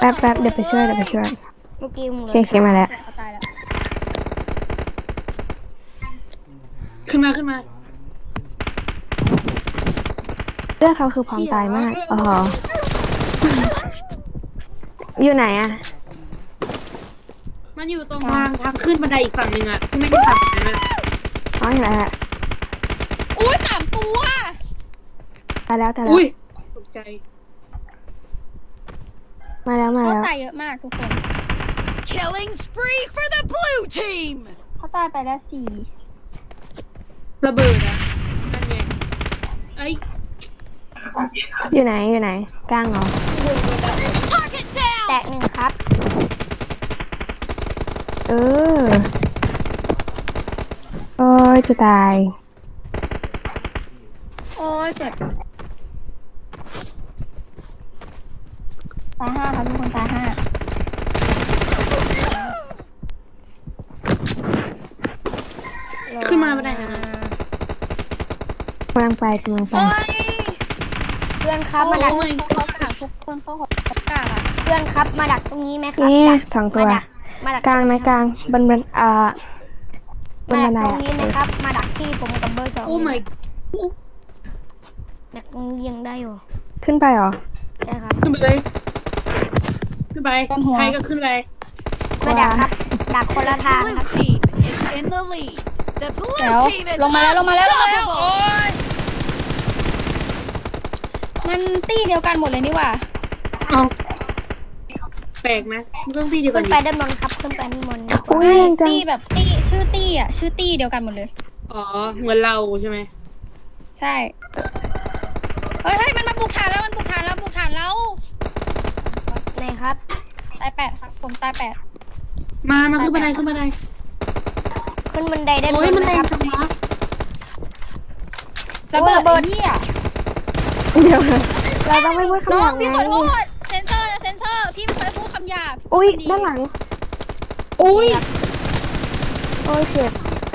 แป๊บเดี๋ยวไปช่วยเมื่อกี้มึงเคมาแล้วเขาตายแล้วขึ้นมาเรื่องเขาคือพร้อมตายมากอ๋ออยู่ไหนอะมันอยู่ตรงทางขึ้นบันไดอีกฝั่งหนึ่งอะที่ไม่ใช่ฝั่งนั้นอะอ๋ออยู่ไหนอะอุ้ย3 ตัวตายแล้วอุ้ยตกใจมาแล้วเขาตายเยอะมากทุกคน Killing spree for the blue team! เขาตายไปแล้ว4 ระเบิดอะนั่นไงไอ้อยู่ไหนกลางเหรอ Target down! แตก1ครับเออโอ้ยจะตายโอ้ยเจ็บตาย5ครับทุกคนตาย5 ขึ้นมาบันไดนะกำลังไปโอ้ยเพื่อนครับมาดักโอ้ยเขากากทุกคนเขากากอ่ะเพื่อนครับมาดักตรงนี้ไหมครับนี่ดัก 2 ตัวมาดักกลางนะกลางบนมาบัดันกไดตรงนี้นะครับมาดักที่ผมกับเบอร์2 โอ้ my ดักตรงนี้ยังได้อยู่ขึ้นไปเหรอใช่ครับขึ้นไปเลยขึ้นไปใครก็ขึ้นไปมาดักครับดักคนละทาง Blue ครับ team is in the lead. The เดี๋ยว blue team is ลงมาแล้ว unstoppable. โอ้ยมันตี้เดียวกันหมดเลยนี่หว่าเอาแปลกไหมเรื่องที่เดียวกัขึ้นนดิไปด้านบนครับขึ้นไปด้านบนอุ้ยแรงจังตี้แบบตี้ชื่อตี้อ่ะชื่อตี้เดียวกันหมดเลยอ๋อเหมือนเราใช่ไหมใช่เฮ้ยมันมาบุกฐานแล้วบุกฐานเราไหนครับตาย8ครับผมตาย8 มาขึ้นบันไดขึ้นบันไดด้านบโอ้ยนมันนะแรคงรับจังวะระเบิดไอ้เหี้ยเดี๋ยวเราต้องไม่พูดน้คำหองยาบพี่ไงขอโทษเซนเซอร์พี่ไม่เคยพูดคำหยาบอุ้ยด้านหลังอุ้ยโอ้ยเจ็บ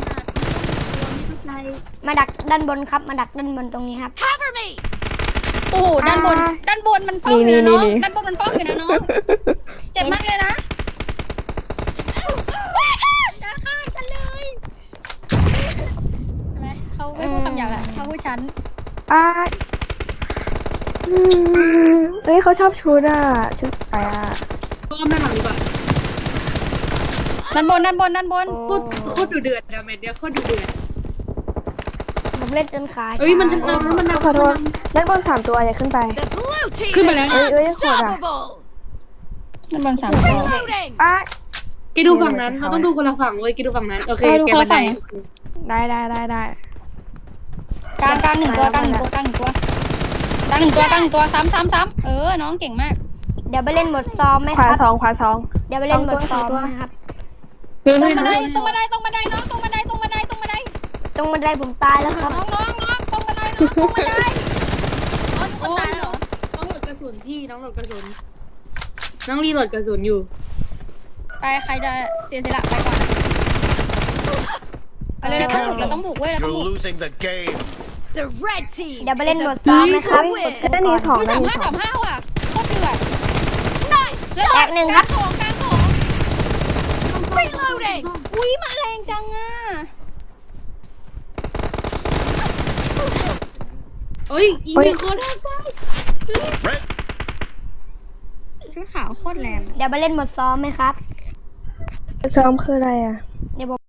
มาดักด้านบนครับมาดักด้านบนตรงนี้ครับ Cover me! โอ้โหด้านบนมันป้องอยู่นะน้องด้านบนมันป้องอยู่นะน้องเจ็บมากเลยนะจะฆ่ากันเลยใช่ไหมเขาไม่พูดคำหยาบแหละเขาพูดฉันเอ้ยเขาชอบชุดชุดไปก็ไม่หลังดีกว่าด้านบนโคตรดุเดือดอะแมทเดียวโคตรดุเดือดผมเล่นจนขาเอ้ยมันจะนำมันนำขอโทษด้านบน3 ตัวอย่าขึ้นไป The blue team ขึ้น is มาแล้ว unstoppable. ด้านบน3 ตัว Reloading. แกดูฝั่งนั้นเราต้องดูคนละฝั่งเว้ยแกดูฝั่งนั้นโอเคแกบันไดได้กลาง1 ตัวซ้ำน้องเก่งมากเดี๋ยวไปเล่นบทซ้อมไหมขควารับ 2ขวาเดี๋ยวไปเล่นบทซ้อมไหมครับเฮ้ยตรงน้บันไดน้องตรงบันไดผมตายแล้วครับตรงบันไดผมตายแล้วครับน้องตรงบันไดอ๋อทุกคนตายแล้วเหรอองโหลดกระสุนพี่น้องโหลดกระสุนน้องรีโหลดกระสุนอยู่ไปใครจะเสียสละไปก่อนไปเลยเราต้องบุกเว้ยเราต้อง You're บุก losing the game. The red team เดี๋ยวไปเล่น is บทซ้อมไหม about ครับ to win. ด้านนี้2 อุ้ยด้านนี้ 35ว่ะโคตรเดือด Nice แตก shot. 1ครับกลางของ Reloading. อุ้ยมาแรงจังอ่ะเอ้ยอีนี่โคตรแรง Red ชุดขาวโคตรแรงเดี๋ยวไปเล่นบทซ้อมไหมครับซ้อมคืออะไรเดี๋ยวผม